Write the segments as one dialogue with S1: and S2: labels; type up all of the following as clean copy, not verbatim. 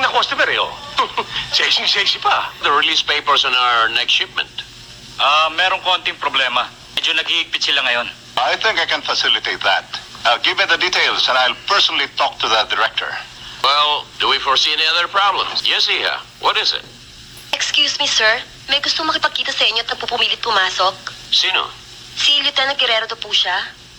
S1: na customer eh, oh. Sexy pa.
S2: The release papers on our next shipment.
S3: Merong konting problema. Medyo naghihigpit sila ngayon.
S4: I think I can facilitate that. Give me the details and I'll personally talk to the director.
S2: Well, do we foresee any other problems? Yes, Iha. What is it?
S5: Excuse me, sir. May gusto makipagkita sa inyo at nagpupumilit pumasok.
S2: Sino?
S5: Si Lieutenant Guerrero daw po siya.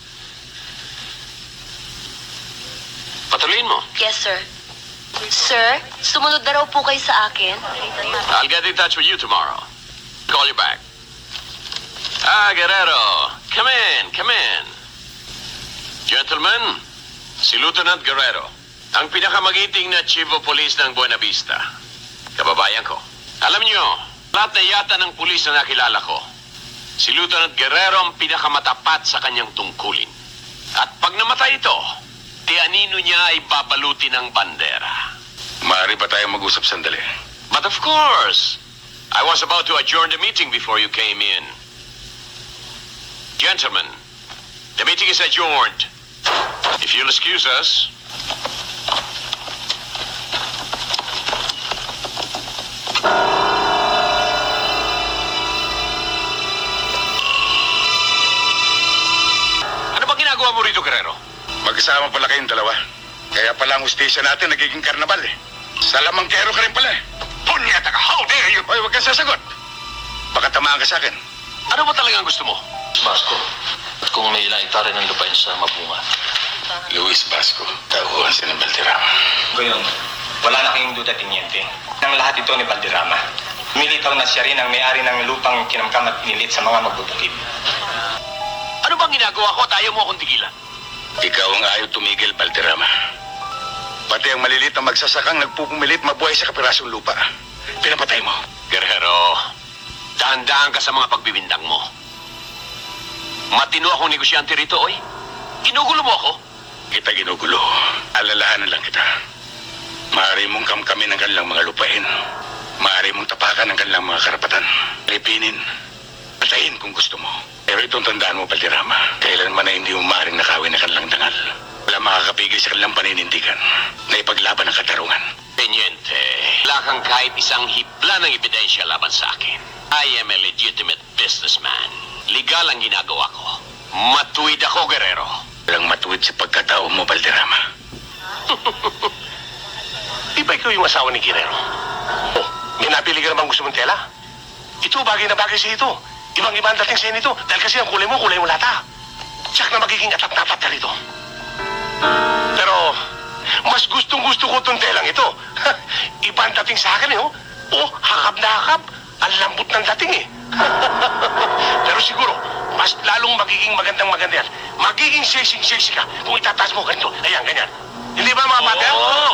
S2: Patuloyin mo.
S5: Yes, sir. Sir, sumunod na raw po kayo sa akin.
S2: I'll get in touch with you tomorrow. Call you back. Guerrero. Come in, come in. Gentlemen, si Lieutenant Guerrero, ang pinakamagiting na Chief of Police ng Buena Vista. Kababayan ko. Alam niyo, lahat na yata ng pulis na nakilala ko, si Lieutenant Guerrero ang pinakamatapat sa kanyang tungkulin. At pag namatay ito, tianino niya ay babaluti ng bandera.
S4: Maaari ba tayo mag-usap sandali?
S2: But of course, I was about to adjourn the meeting before you came in. Gentlemen, the meeting is adjourned. If you'll excuse us. Ano bang ginagawa mo rito, Guerrero?
S4: Magkasama pala kayong dalawa. Kaya pala ang hustisya natin nagiging karnabal eh. Salamangkero ka rin pala eh.
S2: Punyata ka! How dare you!
S4: Hoy, huwag kang sasagot. Baka tamaan ka sa akin.
S2: Ano ba talagang gusto mo?
S6: Basco, kung may ilang rin ng lupain sa Mabunga.
S4: Luis Basco, tauhan si ng Valderrama.
S3: Gayon, wala na kayong duda, Tiniente. Nang lahat ito ni Valderrama. Militaw na siya rin ang may-ari ng lupang kinamkam at pinilit sa mga magbubukid.
S2: Ano bang ginagawa ko at ayaw mo akong tigilan?
S4: Ikaw ang ayaw tumigil, Valderrama. Pati ang malilit na magsasakang nagpupumilit mabuhay sa kapirasong lupa. Pinapatay mo.
S2: Guerrero, dahan-dahan ka sa mga pagbibindang mo. Matino akong negosyante rito, oy. Ginugulo mo ako.
S4: Kita ginugulo. Alalahanan lang kita. Maaari mong kamkamin ang kanilang mga lupain. Maaari mong tapakan ang kanilang mga karapatan. Lipinin. Patayin kung gusto mo. Pero itong tandaan mo, Valderrama, kailanman na hindi mo maaaring nakawin ang kanilang dangal. Wala makakapigil sa kanilang paninindigan na ipaglaban ang katarungan.
S2: Teniente, wala kang kahit isang hibla ng ebidensya laban sa akin. I am a legitimate businessman. Legal ang ginagawa ko. Matuwid ako, Guerrero.
S4: Walang matuwid sa pagkatao mo, Valderrama.
S1: Di ba ikaw yung asawa ni Guerrero? Oh, may napili ka namang gusto mong tela? Ito, bagay na bagay sa ito. Ibang-iba ang dating sa nito. Dahil kasi ang kulay mo lata. Tsak na magiging atap-tapat ka rito. Pero, mas gustong-gusto ko itong telang ito. Iba ang dating sa akin eh, oh. Oh, hakap na hakap. Ang lambot ng dating eh. Pero siguro, mas lalong magiging magandang-maganda yan. Magiging sexy-sexy ka kung itataas mo ganito. Ayan, ganyan. Hindi ba mga pater?
S2: Oo.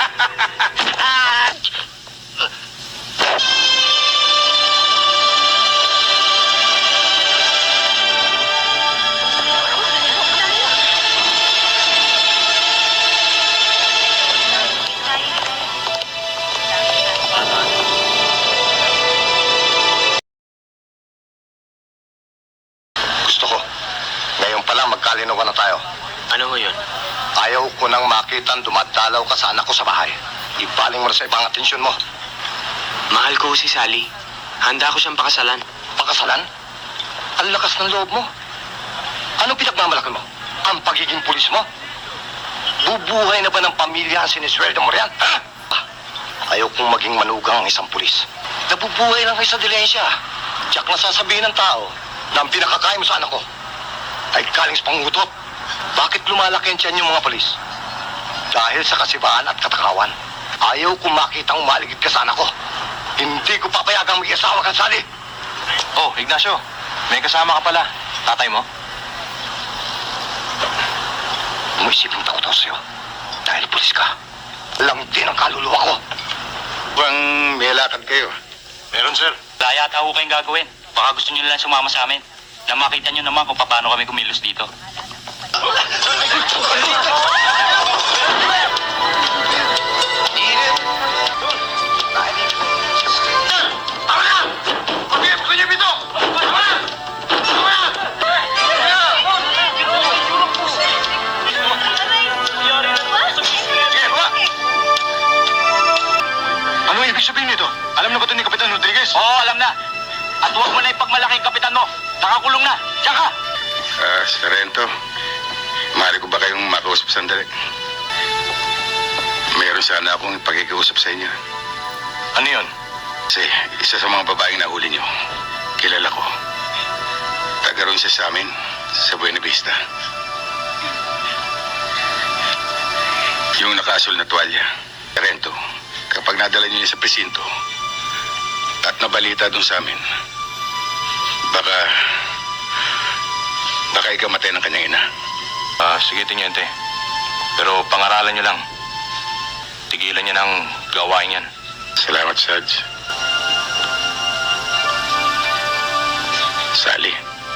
S4: Gusto ko. Ngayon pa lang magkalinawan na tayo.
S2: Ano ho yun?
S4: Ayaw ko nang makitang dumadalaw ka sa anak ko sa bahay. Ibaling mo na sa ibang atensyon mo.
S7: Mahal ko si Sally. Handa ko siyang pakasalan.
S4: Pakasalan? Ang lakas ng loob mo. Anong pinagmamalaki mo? Ang pagiging pulis mo? Bubuhay na ba ng pamilya ang sinisweldo mo riyan? Ha? Ayaw kong maging manugang ang isang pulis. Nabubuhay lang kayo sa dilensya. Tiyak na sasabihin ng tao na ang pinakakain mo sa anak ko ay galing sa pangutot. Bakit lumalaki ang tiyan yung mga pulis? Dahil sa kasibaan at katakawan. Ayaw kong makitang maligid ka sa anak ko. Hindi ko papayagang mag-iasawa ka, Sally.
S3: Oh, Ignacio, may kasama ka pala. Tatay mo?
S4: Umisipin takot ako sa'yo. Dahil pulis ka. Lang din ang kaluluwa ko. Bang may lakad kayo?
S1: Meron, sir.
S3: Wala yata ako kayong gagawin. Baka gusto nyo lang sumama sa amin. Na makita nyo naman kung paano kami kumilos dito.
S4: ibig sabihin nito? Alam na ba ito ni Kapitan Rodriguez? Oo, alam na. At huwag mo na ipagmalaki ang kapitan mo. Nakakulong na. Tsaka!
S1: Sarento, maaari ko ba kayong makausap sandali? Meron sana akong ipagkikiusap sa inyo.
S4: Ano yun?
S1: Kasi isa sa mga babaeng nahuli niyo, kilala ko. Taga roon siya sa amin, sa Buena Vista. Yung nakasul na tuwalya, Sarento, kapag nadala niyo niya sa presinto at nabalita doon sa amin, baka ikamatay ng kanyang ina.
S4: Sige, Teniente. Pero pangaralan nyo lang. Tigilan niya ng gawain yan.
S1: Salamat, Sarge. Sally.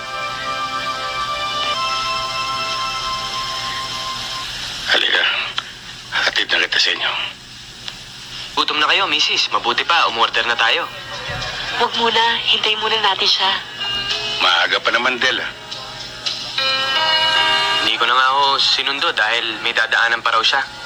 S1: Halika. Hatid na kita sa inyo.
S7: Gutom na kayo, misis. Mabuti pa, umorder na tayo.
S5: Huwag muna, hintayin muna natin siya.
S1: Maaga pa naman, Del.
S7: Hindi ko na nga ako sinundo dahil may dadaanan pa raw siya.